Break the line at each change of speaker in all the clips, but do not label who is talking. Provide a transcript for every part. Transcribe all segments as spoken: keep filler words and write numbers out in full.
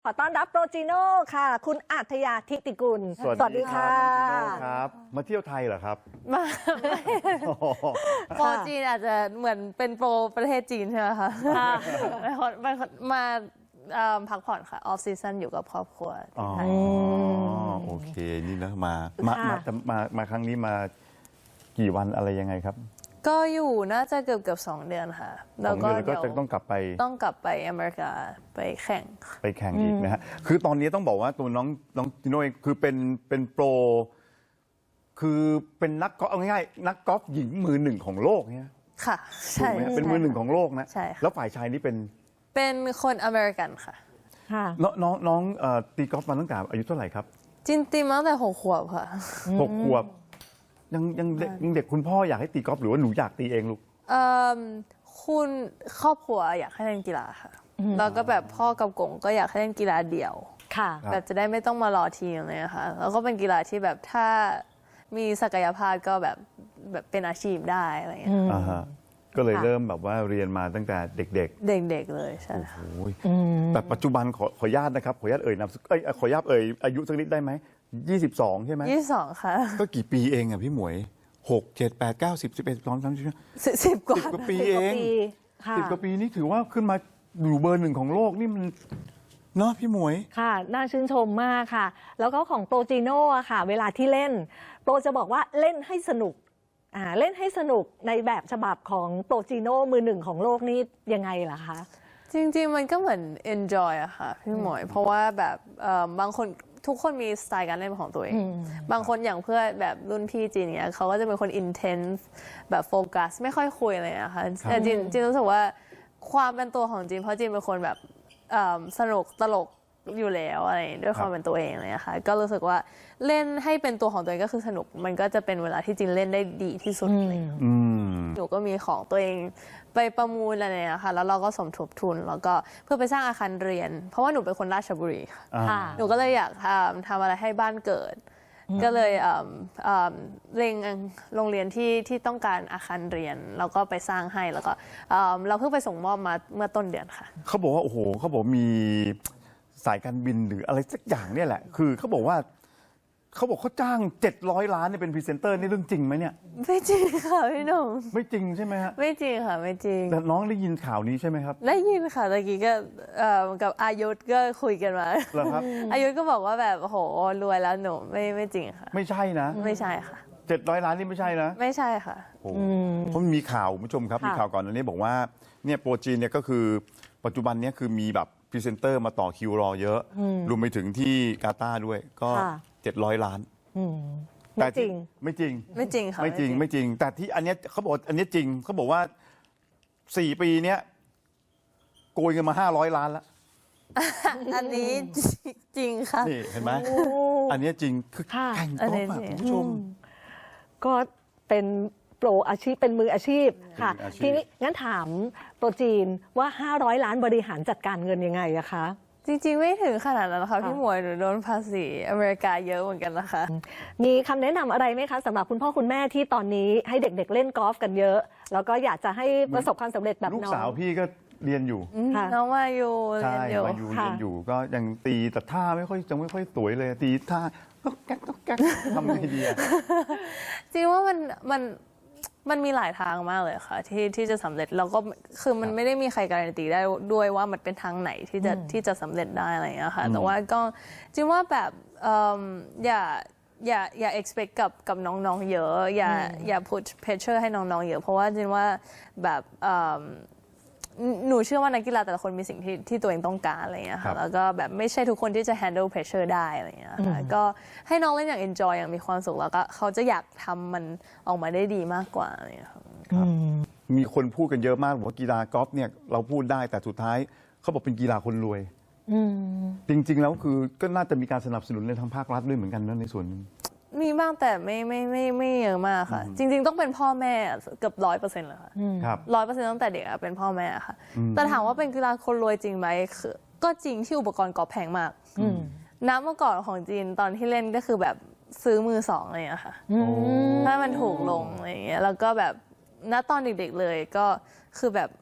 ขอต้อนรับโปรจิโน่ค่ะคุณอัธยาธิติกุล
สวัสดีค่ะครับมาเที่ยวไทยเหรอครับ
มาโปรจีนอาจจะเหมือนเป็นโปรประเทศจีนใช่ไหมคะมามาพักผ่อนค่ะออฟซีซั่นอยู่กับครอบครัว
อ๋อโอเคนี่นะมามามามาครั้งนี้มากี่วันอะไรยังไงครับ
ก็อยู่น่าจะเกือบเกือบสองเดือนค่ะ
แล้วก็เดี๋ยวก็จะต้องกลับไป
ต้องกลับไปอเมริกาไปแข่ง
ไปแข่งอีกนะฮะคือตอนนี้ต้องบอกว่าตัวน้องน้องจิโน่เองคือเป็นเป็นโปรคือเป็นนักกอล์ฟเอาง่ายๆนักกอล์ฟหญิงมือหนึ่งของโลกเนี่ย
ค่ะใช่
เป็นมือหนึ่งของโลกนะ
ใช่
แล้วฝ่ายชายนี่เป็น
เป็นคนอเมริกันค่ะ
น้องน้องน้องตีกอล์ฟมาตั้งแต่อายุเท่าไหร่ครับ
จินตีมาตั้งแต่หกขวบค่ะ
หกขวบยังยังเด็กยังเด็กคุณพ่ออยากให้ตีกอล์ฟหรือว่าหนูอยากตีเองลูก
เอ่อคุณครอบครัวอยากให้เล่นกีฬาค่ะแล้วก็แบบพ่อกับกงก็อยากให้เล่นกีฬาเดี่ยว
ค่ะ
แบบจะได้ไม่ต้องมารอทีมเลยค่ะแล้วก็เป็นกีฬาที่แบบถ้ามีศักยภาพก็แบบแบบเป็นอาชีพได้อะไรอย่างเงี้ย
ก็เลยเริ่มแบบว่าเรียนมาตั้งแต่เด็กๆ
เด็กๆเลยใช่
แต่ปัจจุบันขอขออนุญาตนะครับขออนุญาตเอ่ยนามเอ้ยขออนุญาตเอ่ยอายุสักนิดได้ไหมยี่สิบสองใช่ไหม
ยี่สิบสองค่ะ
ก็กี่ปีเองอ่ะพี่หมวยหกเจ็ดแปดเก้าสิบสิบเอ็ดสองสามสี่
สิบกว่า
สิบกว่าปีเองสิบกว่าปีนี่ถือว่าขึ้นมาอยู่เบอร์หนึ่งของโลกนี่มันเนาะพี่หมวย
ค่ะน่าชื่นชมมากค่ะแล้วก็ของโปรจิโน่ค่ะเวลาที่เล่นโปรจะบอกว่าเล่นให้สนุกอ่าเล่นให้สนุกในแบบฉบับของโปรจิโน่มือหนึ่งของโลกนี่ยังไงล่ะคะ
จริงๆมันก็เหมือน enjoy อะค่ะพี่หมวยเพราะว่าแบบบางคนทุกคนมีสไตล์การเล่นของตัวเองบางคนอย่างเพื่อนแบบรุ่นพี่จีนเนี่ยเขาก็จะเป็นคน intense แบบโฟกัสไม่ค่อยคุยเลยนะคะแต่จีนจีนรู้สึกว่าความเป็นตัวของจีนเพราะจีนเป็นคนแบบสนุกตลกอยู่แล้วอะไรด้วยความเป็นตัวเองเลยนะคะก็รู้สึกว่าเล่นให้เป็นตัวของตัวเองก็คือสนุกมันก็จะเป็นเวลาที่จีนเล่นได้ดีที่สุดเลยหนูก็มีของตัวเองไปประมูลอะไรนะคะแล้วเราก็สมทบทุนแล้วก็เพื่อไปสร้างอาคารเรียนเพราะว่าหนูเป็นคนราชบุรีค่ะหนูก็เลยอยากทำทำอะไรให้บ้านเกิดก็เลยเล็งโรงเรียนที่ที่ต้องการอาคารเรียนแล้วก็ไปสร้างให้แล้วก็เราเพิ่งไปส่งมอบมาเมื่อต้นเดือนค่ะ
เขาบอกว่าโอ้โหเขาบอกมีสายการบินหรืออะไรสักอย่างเนี่ยแหละคือเขาบอกว่าเขาบอกเขาจ้างเจ็ดร้อยล้านเนี่ยเป็นพรีเซนเตอร์นี่เรื่องจริงไหมเนี่ย
ไม่จริงค่ะพี่หนุ่ม
ไม่จริงใช่ไหมฮะ
ไม่จริงค่ะไม่จริง
แต่น้องได้ยินข่าวนี้ใช่ไหมครับ
ได้ยินค่ะตะกี้ก็กับอายุก็คุยกันมา
แล้วครับ
อายุก็บอกว่าแบบโอ้โหรวยแล้วหนูไม่ไม่จริงค่ะ
ไม่ใช่นะ
ไม่ใช่ค่ะ
เจ็ดร้อยล้านนี่ไม่ใช่นะ
ไม่ใช่ค่ะ
โอ้เพราะมีข่าวคุณผู้ชมครับมีข่าวก่อนอันนี้บอกว่าเนี่ยโปรจีนเนี่ยก็คือปัจจุบันนี้คือมีแบบพรีเซนเตอร์มาต่อคิวรอเยอะรวมไปถึงที่กาตาร์ด้วยก็เจ็ดร้อยล้าน
ไม่จริง
ไม่จริง
ไม่จริงค่ะ
ไม่จริงไม่จริงแต่ที่อันนี้เขาบอกอันนี้จริงเขาบอกว่าสี่ปีเนี้ยโกยเงินมาห้าร้อยล้านแล้ว
อันนี้จริงค่ะ
นี่เห็นไหมอันนี้จริงคือแข่งกอล์ฟคุณผู้ชม
ก็เป็นโปรอาชีพเป็นมืออาชีพค่ะทีนี้งั้นถามโปรจีนว่าห้าร้อยล้านบริหารจัดการเงินยังไงอะคะ
จริงๆไม่ถึงขนาดนั้นนะคะพี่หมวยหนูโดนภาษีอเมริกาเยอะเหมือนกันนะคะ
มีคำแนะนำอะไรไหมคะสำหรับคุณพ่อคุณแม่ที่ตอนนี้ให้เด็กๆเล่นกอล์ฟกันเยอะแล้วก็อยากจะให้ประสบความสำเร็จแบบน้อง
ลูกสาวพี่ก็เรียนอยู่
น้องมาอยู่
เรียนอยู่มาอยู่เรียนอยู่ก็ยังตีแต่ท่าไม่ค่อยจะไม่ค่อยสวยเลยตีท่าก็แก๊กก็แก๊กทำไงดีอะ
จริงว่ามันมันมันมีหลายทางมากเลยค่ะที่ที่จะสำเร็จแล้วก็คือมันไม่ได้มีใครการันตีได้ด้วยว่ามันเป็นทางไหนที่จะที่จะสำเร็จได้อะไรอย่างเงี้ยค่ะแต่ว่าก็จริงว่าแบบอย่าอย่าอย่า expect กับกับน้องๆเยอะอย่าอย่า put pressure ให้น้องๆเยอะเพราะว่าจริงว่าแบบหนูเชื่อว่านักกีฬาแต่ละคนมีสิ่งที่ที่ตัวเองต้องการอะไรอย่างเงี้ยค่ะแล้วก็แบบไม่ใช่ทุกคนที่จะ handle pressure ได้อะไรอย่างเงี้ยค่ะก็ให้น้องเล่นอย่าง enjoy อย่างมีความสุขแล้วก็เขาจะอยากทำมันออกมาได้ดีมากกว่าอะไรอย่างเงี้ยค่ะ
มีคนพูดกันเยอะมากว่ากีฬากอล์ฟเนี่ยเราพูดได้แต่สุดท้ายเขาบอกเป็นกีฬาคนรวยจริงๆแล้วคือก็น่าจะมีการสนับสนุนในทางภาครัฐด้วยเหมือนกันนะในส่วนนึง
มีบ้างแต่ไม่ไม่ไม่ไม่เยอะมากค่ะจริงๆต้องเป็นพ่อแม่เกือบร้อยเปอร์เซ็นต์เลยค่ะร้อยเปอร์เซ็นต์ตั้งแต่เด็กเป็นพ่อแม่ค่ะแต่ถามว่าเป็นกีฬาคนรวยจริงไหมคือก็จริงที่อุปกรณ์กอล์ฟแพงมากน้ำเมื่อก่อนของจีนตอนที่เล่นก็คือแบบซื้อมือสองอะไรอย่างเงี้ยค่ะถ้ามันถูกลงอะไรอย่างเงี้ยแล้วก็แบบณตอนเด็กๆเลยก็คือแบบ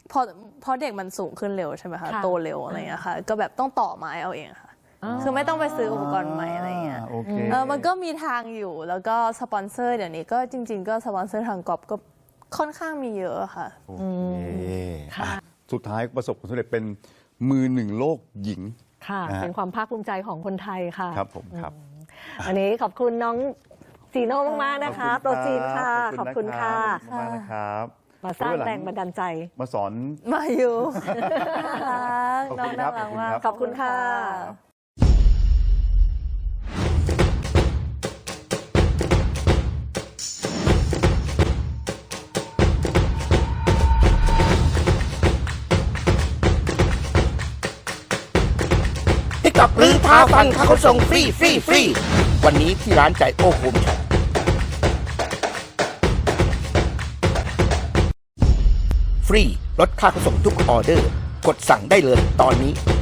พอพอเด็กมันสูงขึ้นเร็วใช่ไหมคะ
ค่ะ
โตเร็วอะไรเงี้ยค่ะก็แบบต้องต่อไม้เอาเองค่ะ คือไม่ต้องไปซื้ออุปกรณ์ใหม่อะไรเงี้ย
โอเค
เออมันก็มีทางอยู่แล้วก็สปอนเซอร์เดี๋ยวนี้ก็จริง ๆ ก็สปอนเซอร์ทางกอบก็ค่อนข้างมีเยอะค่ะ
โอเคอ่ะสุดท้ายประสบผลสำเร็จเป็นมือหนึ่งโลกหญิง
ค่ะ
นะฮะ
เป็นความภาคภูมิใจของคนไทยค่ะ
ครับผมครับ
อันนี้ขอบคุณน้องจีโน่มากๆนะคะ โตจีนค่ะ ขอบคุณค่ะ
ขอบคุณมากนะครับ
มาสร้างแรงบันดาลใจ
มาสอน
มาอยู่
ขอบ
น้อ
คุ
ง
ณครั
น่า
บ
รักมาก
ขอบคุณค่ะ
ติ๊กต็อกหรือท้าฟันเขาส่งฟรีฟรีฟรีวันนี้ที่ร้านใจโอ้โฮมช็อปฟรีลดค่าขนส่งทุกออเดอร์ กดสั่งได้เลยตอนนี้